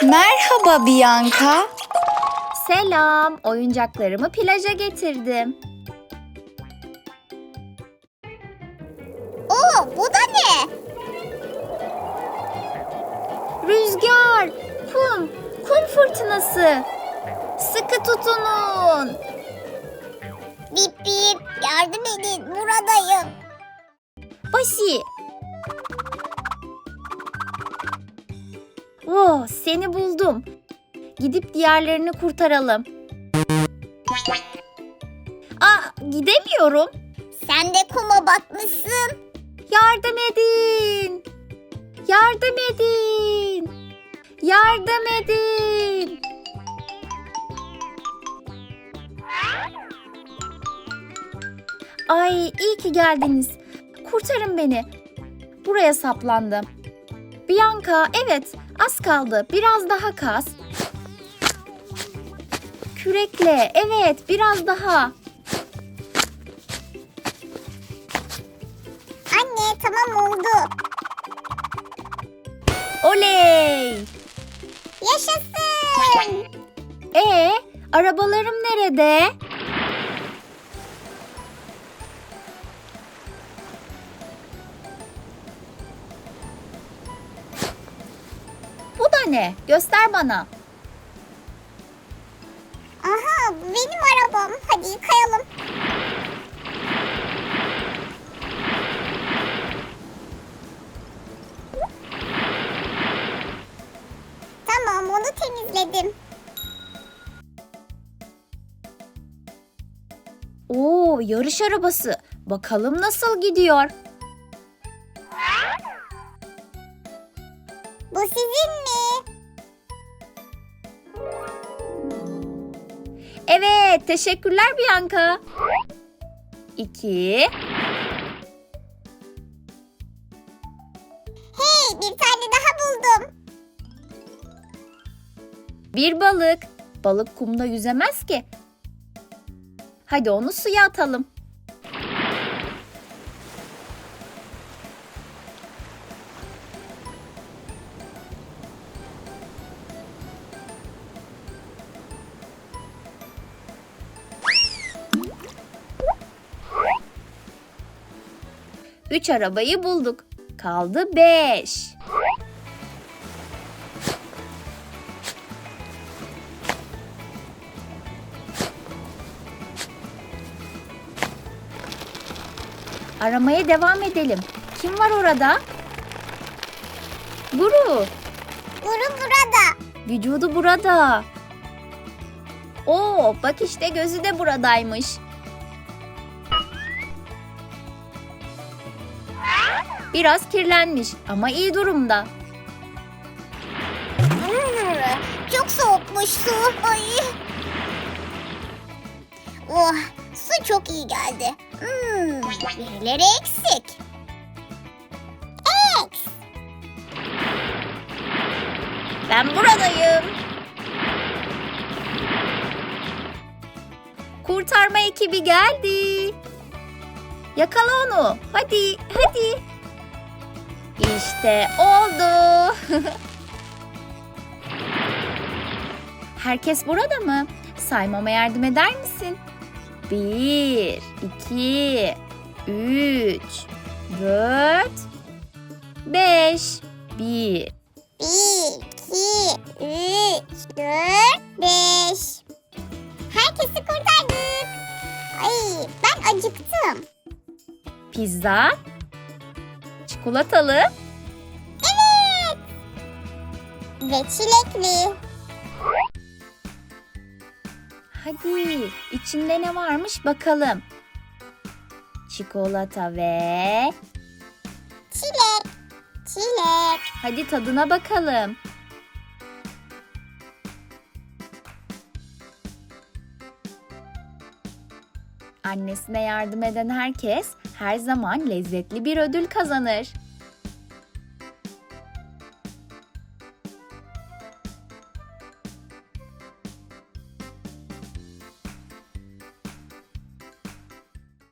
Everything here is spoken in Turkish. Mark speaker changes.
Speaker 1: Merhaba Bianca.
Speaker 2: Selam, oyuncaklarımı plaja getirdim.
Speaker 3: Bu da ne?
Speaker 2: Rüzgar, kum fırtınası. Sıkı tutunun.
Speaker 3: Bip bip, yardım edin, buradayım.
Speaker 2: Basi. Seni buldum. Gidip diğerlerini kurtaralım. Gidemiyorum.
Speaker 3: Sen de kuma batmışsın.
Speaker 2: Yardım edin. Yardım edin. Yardım edin. Ay, iyi ki geldiniz. Kurtarın beni. Buraya saplandım. Bianca, evet, az kaldı. Biraz daha kaz. Kürekle, evet, biraz daha.
Speaker 3: Anne, tamam oldu.
Speaker 2: Oley!
Speaker 3: Yaşasın.
Speaker 2: Arabalarım nerede? Bu da ne? Göster bana.
Speaker 3: Aha, bu benim arabam. Hadi yıkayalım. Tamam, onu temizledim.
Speaker 2: Yarış arabası. Bakalım nasıl gidiyor?
Speaker 3: Bu sizin mi?
Speaker 2: Evet, teşekkürler Bianca. 2.
Speaker 3: Hey, bir tane daha buldum.
Speaker 2: Bir balık. Balık kumda yüzemez ki. Hadi onu suya atalım. Üç arabayı bulduk. Kaldı 5. Aramaya devam edelim. Kim var orada? Guru.
Speaker 3: Guru burada.
Speaker 2: Vücudu burada. Bak işte gözü de buradaymış. Biraz kirlenmiş ama iyi durumda.
Speaker 3: Çok soğukmuş su. Ay. Su çok iyi geldi. Birileri eksik.
Speaker 2: Ben buradayım. Kurtarma ekibi geldi. Yakala onu. Hadi. İşte oldu. Herkes burada mı? Saymama yardım eder misin? 1, 2, 3, 4, 5. 1.
Speaker 3: 1, 2, 3, 4, 5. Herkesi kurtardık. Ay, ben acıktım.
Speaker 2: Pizza. Çikolatalı.
Speaker 3: Evet. Ve çilekli.
Speaker 2: Hadi içinde ne varmış bakalım. Çikolata ve...
Speaker 3: Çilek.
Speaker 2: Hadi tadına bakalım. Annesine yardım eden herkes her zaman lezzetli bir ödül kazanır.